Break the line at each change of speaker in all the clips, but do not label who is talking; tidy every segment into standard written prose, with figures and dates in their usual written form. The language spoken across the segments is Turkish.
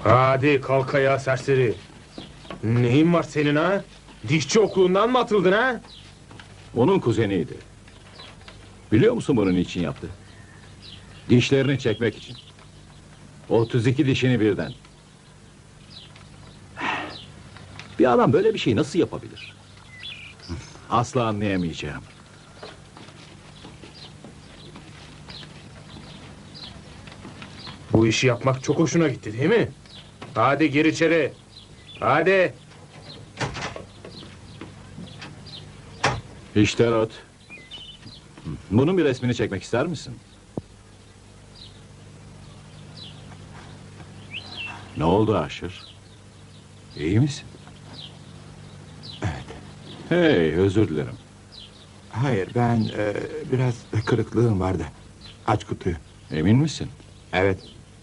Hadi kalk ayağa serseri. Neyin var senin ha? Dişçi okuluğundan mı atıldın ha?
Onun kuzeniydi. Biliyor musun bunu niçin yaptı? Dişlerini çekmek için. 32 dişini birden. Bir adam böyle bir şey nasıl yapabilir? Asla anlayamayacağım.
Bu işi yapmak çok hoşuna gitti değil mi? Hadi gir içeri. Hadi.
İşte Rod. Bunun bir resmini çekmek ister misin? Ne oldu Aşır? İyi misin?
Evet.
Hey, özür dilerim.
Hayır, ben biraz kırıklığım vardı. Aç kutuyu.
Emin misin?
Evet.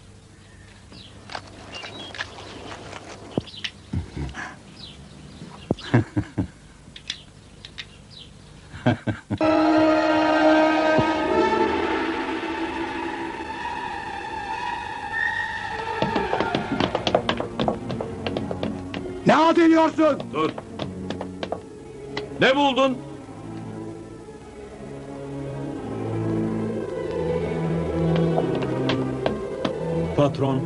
Ne halt ediyorsun?
Dur. Ne buldun?
Patron.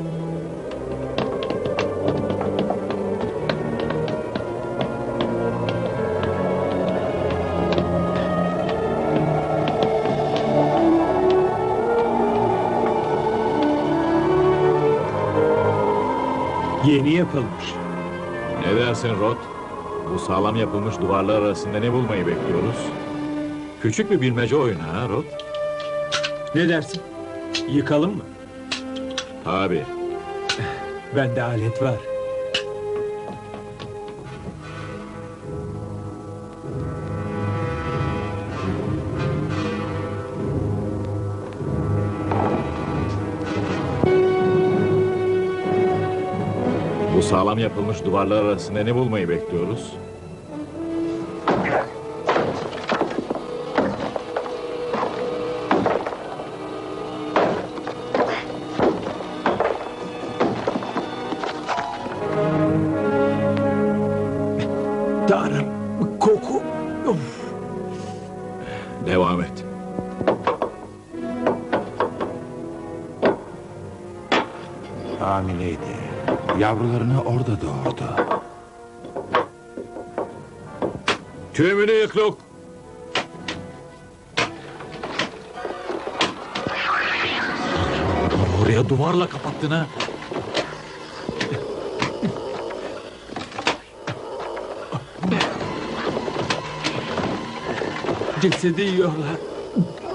Yeni yapılmış.
Ne dersin Rod? Bu sağlam yapılmış duvarlar arasında ne bulmayı bekliyoruz? Küçük bir bilmece oyunu ha Rod?
Ne dersin? Yıkalım mı?
Tabii.
Bende alet var.
Bu sağlam yapılmış duvarlar arasında ne bulmayı bekliyoruz?
Tanrım, koku. Of.
Devam et.
Hamileydi. Yavrularını orada doğurdu.
Tümünü yıklık. Oraya duvarla kapattın ha.
Cesedi yiyorlar.